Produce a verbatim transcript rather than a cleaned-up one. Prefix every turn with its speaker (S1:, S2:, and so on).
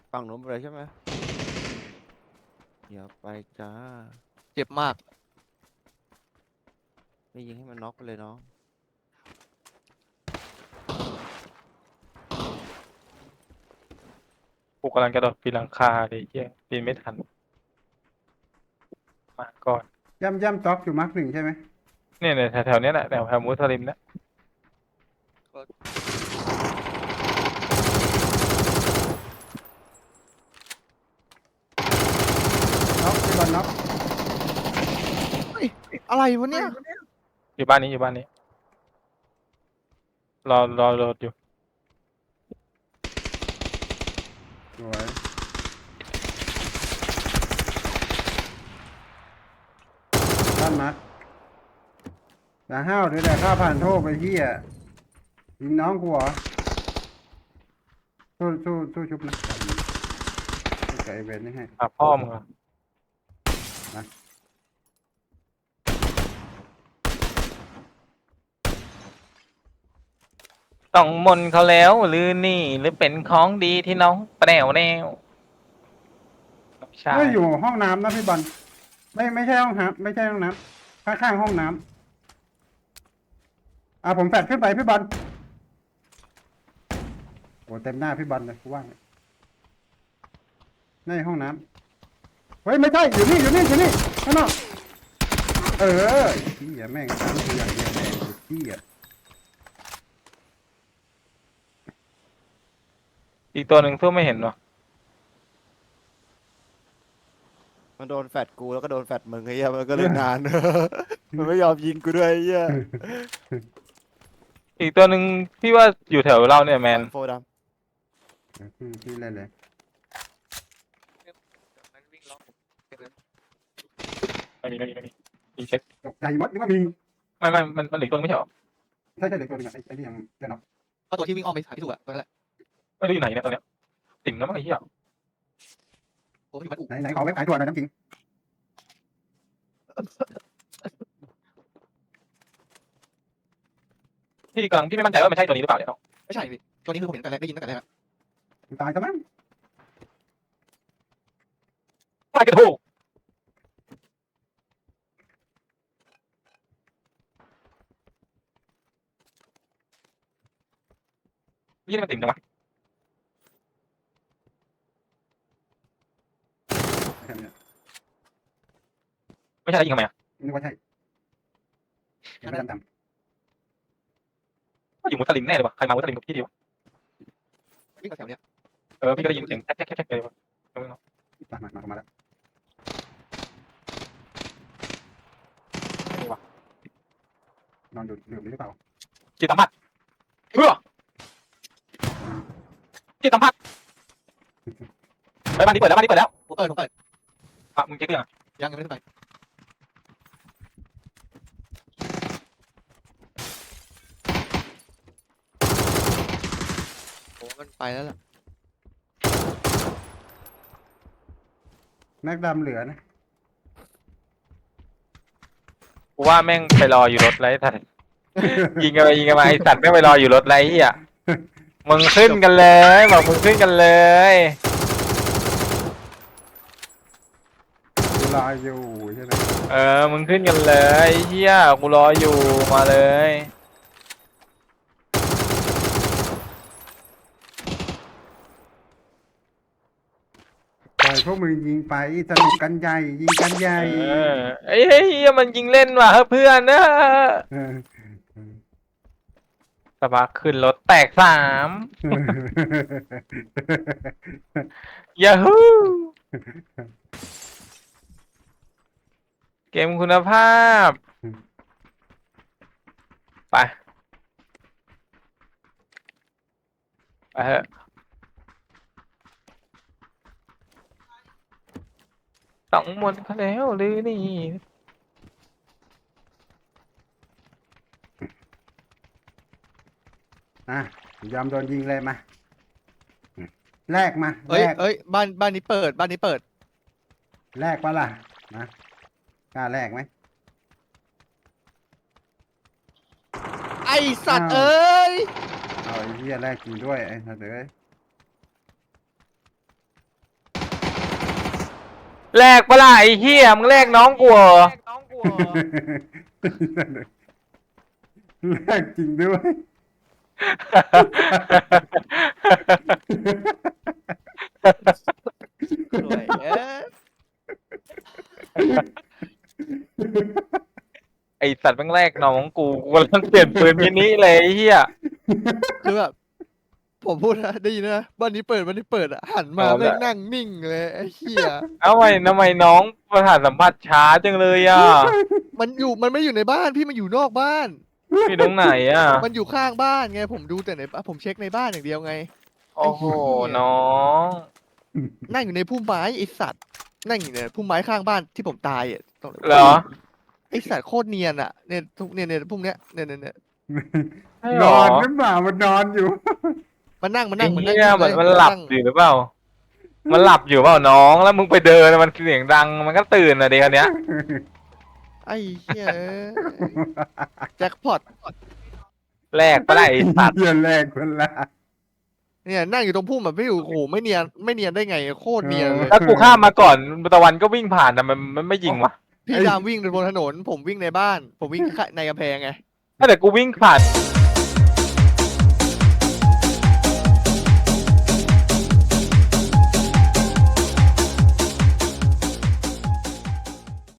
S1: ฝั่งนู้นไปเลยใช่ไหมเดี๋ยวไปจ้า
S2: เจ็บมาก
S1: ไม่ยิงให้มันน็อกไปเลยน้อง
S3: กูกำลังกระโดดปีนหลังคาเลยเฮียปีนไม่ทันมาก่อน
S4: ย่ำย่ำต็อกอยู่มาร์กหนึ่งใช่ไหม
S3: เนี่ยเนี่ยแถวๆเนี้ยแหละแถวแถวมุสลิมเนี่ย
S4: น็อกพี่บอลน็อก
S2: เฮ้ยอะไรวะเนี่ย
S3: อยู่บ้านนี้อยู่บ้านนี้รอรอรถอยู่
S4: สวยด้านมาร์กแต่ห้าวหรือแต่ข้าผ่านโทษไปที่อ่ะยิงน้องกูเหรอสู้สู้สู้ชุบนะไก่เวนนี่ให้
S3: หาพ่อมึงเหรอ ต้องมนต์เขาแล้วหรือนี่หรือเป็นของดีที่น้องแปลวแนวใช่
S4: ไม่อยู่ห้องน้ำนะพี่บอลไม่ไม่ใช่ห้องน้ำไม่ใช่ห้องน้ำข้างๆห้องน้ำอ่ะผมแฟดขึ้นไปพี่บอลโอ้เต็มหน้าพี่บอลเลยกูว่าเนี่ยในห้องน้ำเฮ้ยไม่ใช่อยู่นี่อยู่นี่อยู่นี่ข้างนอกเออที่อ่ะแม่งทำตัวอย่างเดียวแม่งที่อ่ะ
S3: อีกตัวหนึ่งสู้ไม่เห็นหรอ
S1: มันโดนแฟดกูแล้วก็โดนแฟดมึงไอ้เหี้ยมันก็เลยนาน มันไม่ยอมยิงกูด้วยไอ้เหี้ย
S3: อีกตัวหนึ่งที่ว่าอยู่แถวเราเนี่ยแมน
S1: โฟด
S4: พี่พี่เล่นเลย
S3: ไม่มีไม่มีไม่มีมีเช็ค
S4: ตกใจหมดนึกว่ามี
S3: ไม่ไม่มันมันเหลืออกตัวนึงไม่ใช่หรอ
S4: ใช่ใช่เด็กตัวหนึงอะไอ้ไอ้นี่ยังเล่นเนาะ
S2: ก็ตัวที่วิ่งอ้อมไปหาพี่ถูกอะตัวนั้นแหละ
S3: ไม่รู้อยู่ไหนเนี่ยตอนเนี้ยติ่มแล้วมั้งไอ้เหี้ย
S2: โอ้ยมันอุ
S4: ไหนไหนขอเว็บขายตัวหน่อยน้ำจริง
S3: พี่กำลังพี่ไม่มั่นใจว่ามันใช่ตัวนี้หรือเปล่าเนี่ย
S2: ไม่ใช่พี่ตัวนี้คือผมเห็นตั้งแต่แรกได้ยินตั้งแต่แรกอะ
S4: ตายซะมั้ง
S3: ตายกระทู้ยี่นี่มันติ่มจังวะ
S4: แค่นี้
S3: ไม่ใช่แล้วยิงทำไมอ่ะ
S4: นึกว่าใช่ยังไม่ดำด
S3: ก็อยู่มุสลิมแน่เลยวะใครมามุสลิมกับพี่ดีวะ
S2: วิ่งมาแถวเนี้ย
S3: เออพี่ก็ได้ยินเสียงแจ๊กแจ๊กแจ๊กแจ๊กเลยวะ
S4: ำมามามามาแล้วนอนอยู่ดื่มหรือเปล่า
S3: จิตสัมผัสเฮ้อจิตสัมผัสไปบ้านนี้เปิดแล้วบ้านนี้เปิดแล้ว
S2: ผมเปิดผมเปิด
S3: อ่ะมึงเจ๊กยัง
S2: ยังยังไม่ได้ขึ้นไปโอ้มันไปแล้วล่ะ
S4: แม็กดำเหลือนะ
S3: กูว่าแม่งไปรออยู่รถไรสัตว์ยิงกันไปยิงกันมาไอสัตว์แม่งไปรออยู่รถไรเฮียมึงขึ้นกันเลยบอกมึงขึ้นกันเลย
S4: กูรออยู่ใช่ไหม
S3: เออมึงขึ้นกันเลยเฮียกูรออยู่มาเลย
S4: ปล่อยพวกมึงยิงไปสนุกกันใหญ่ยิงกันใหญ่
S3: เออไอ้เฮียมันยิงเล่นว่ะเฮ้ยเพื่อนนะ
S4: เออ
S3: สบายขึ้นรถแตกสามยาฮูเกมคุณภาพ ไป ไปเถอะต้องหมดเขาแล้วหรือนี่
S4: อ่ะยอมโดนยิงเลยมาแลกมา
S2: เอ้
S4: แล
S2: ย
S4: ก
S2: เอ้ยบ้านบ้านนี้เปิดบ้านนี้เปิด
S4: แลกปะล่ะมากล้าแลกไหม
S2: ไอสัตว์เอ้ย
S4: เอาไอ้เหี้ยแลกจริงด้วยไอ้สัตว์เอ้ย
S3: แลกปะล่ะไอ้เหี้ยมึงแลกน้องกูเหรอ
S4: แรกจริงด้วย
S2: สวยเอ้ย
S3: ไอสัตว์แม่งแลกน้องกูกูกำลังเปลี่ยนปืนมินิเลยไอ้เหี้ย
S2: คือแบบผมพูดนะได้ยินนะบ้านนี้เปิดบ้านนี้เปิดอะหันมา
S3: เอาละ
S2: แม่งนั่งนิ่งเลยไอ้เหี้ย
S3: เอาไมทำไมน้องประสาทสัมผัสช้าจังเลยอ่ะ
S2: มันอยู่มันไม่อยู่ในบ้านพี่มันอยู่นอกบ้าน
S3: พี่ตรงไหนอ่ะ
S2: มันอยู่ข้างบ้านไงผมดูแต่ในผมเช็คในบ้านอย่างเดียวไง
S3: โอ้โหน้อง
S2: นั่งอยู่ในพุ่มไม้ไอสัตว์นั่งอยู่ในพุ่มไม้ข้างบ้านที่ผมตายอ่ะตรง
S3: เหรอ
S2: ไอสัตว์โคตรเนียนอ่ะเนี่ยทุกเนี่ยเนี่ยพุ่มเนี้ยเนี่ยเนี่ยเนี่ย
S3: ใช่
S4: น
S3: เหร
S4: อ
S3: อน
S4: หรือเปล่ามันนอนอยู่
S2: มันนั่งมัน
S3: ไอ้
S2: นั่งมันนั่ง
S3: เหี้ยมัน
S2: เลย
S3: มันหลับ
S2: ง
S3: อยู่หรือเปล่า มันหลับอยู่เปล่าน้องแล้วมึงไปเดินมันเสียงดังมันก็ตื่นอ่ะเด็กคนเนี้ย
S2: ไอ้เหี้ยแจ็คพอต
S3: แลกปะล่ะไอสัตว์
S4: เหี้ยแรกคนละ
S2: เนี่ยนั่งอยู่ตรงพุ่มแบบไม่อยู่โอ้โหไม่เนียนไม่เนียนได้ไงโคตรเนียนเลย
S3: ถ้ากูข้ามมาก่อนตะวันก็วิ่งผ่านแต่มันมันไม่ยิงวะ
S2: พี่ดามวิ่งบนถนน ผมวิ่งในบ้าน ผมวิ่งในกำแพงไง
S3: ถ้าแต่กูวิ่งผ่าน